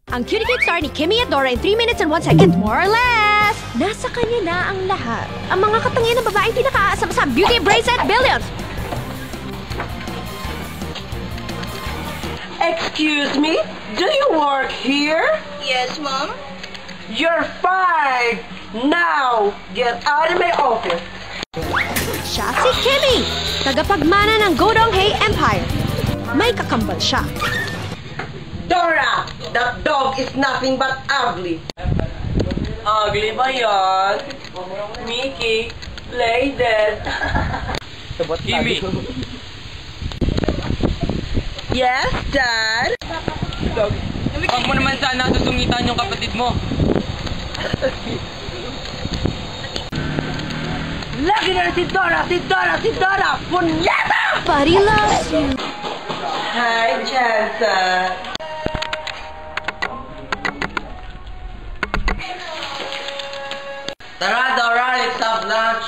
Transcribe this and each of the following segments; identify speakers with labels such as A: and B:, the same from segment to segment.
A: Ang cutie cute star ni Kimmy at Dora in 3 minutes and 1 second, more or less. Nasa kanya na ang lahat. Ang mga katangian ng babaeng pinakaasam sa Beauty Bracelet Billions.
B: Excuse me? Do you work here?
C: Yes, Mom.
B: You're fired! Now, get out of my office!
A: Siya si Kimmy, tagapagmana ng Godong-Hae Empire. May kakambal siya.
B: Dora! That dog is nothing but ugly. Ugly ba yan? Mickey, play dead.
D: Kimmy!
B: Yes, Dad?
D: Huwag mo naman sana susungitan yung kapatid mo.
B: Lagi na si Dora! Si Dora! Si Dora! Punyeta!
A: Buddy loves you.
B: Hi, Jansen. Tara, Dora! Let's have lunch!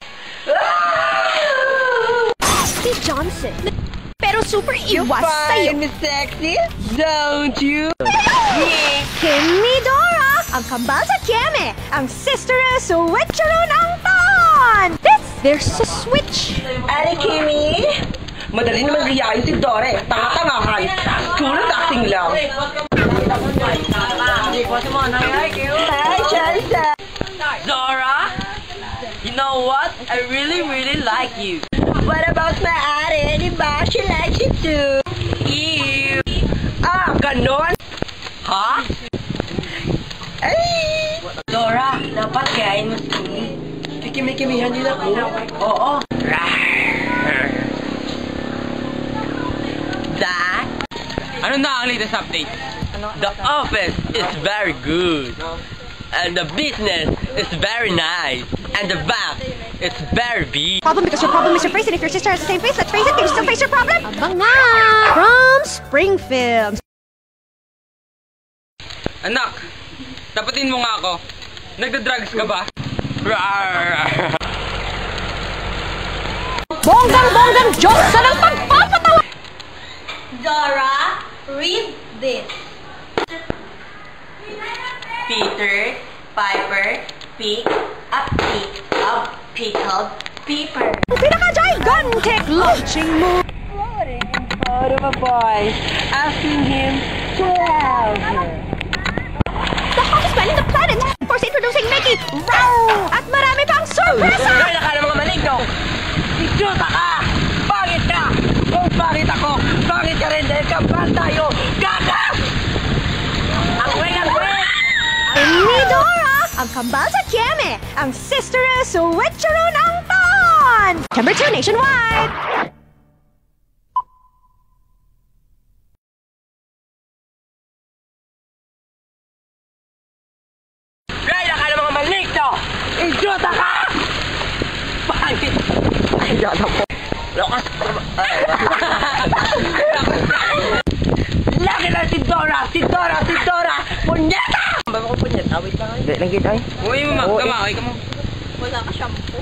A: Si Johnson. Pero super iwas sa'yo.
B: Miss Sexy? Don't you?
A: Kimmy Dora, ang kambal sa Kieme, ang sister na switchero ng taon. There's a switch.
B: Ari, Kimmy? Madali naman riyahin si Dora eh. Tanga-tangahan. Tulad acting lang. Hi, Jansen.
D: Zora! You know what? I really like you.
B: What about my ate? Di ba? She likes you too.
D: Ew!
B: Ah, ganon?
D: Ha?
B: Ay!
D: Dora, dapat kain mo si
B: Kikimi-kimihan nila ko. Oo.
D: Dad? Ano na ang latest update? The office is very good. And the business is very nice. And the bath is very big.
A: Problem because your problem is your face, and if your sister has the same face, let's face it, can you still face your problem? Abang nga! From Spring Films.
D: Anak, tapatin mo nga ako. Nagda-drugs ka ba?
A: Bonggang-bonggang Diyos sa ng pagpapatawa!
C: Dora, read this.
B: Peter, Piper, pick a pick of pickled pepper.
A: Pinaka-gigantic launching move!
B: Floating in front of a boy, asking him to help her.
A: The hottest man in the planet! First introducing Mickey! Row! At marami pang sorpresa!
B: Kaya ka ng mga maligno! Idiota ka! Pangit ka! Kung pangit ako, pangit ka rin dahil kambal tayo! Gaga! Ang weng!
A: Kimmy Dora, ang kambal sa Kieme, ang sister na switchero ng taon! September 2 nationwide!
B: Kaya ka ng mga maligno! Idiota ka! Pangit! Ay, idiota po! Lokas! Lagi na si Dora! Si Dora! Si Dora! Punyeta! Bago ko punyeta, wait lang. Lang kita eh.
D: Uy mo, kamakay ka mo.
C: Wala ka shampoo.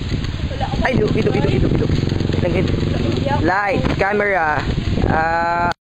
B: Ay, look. Lang kita. Light, camera.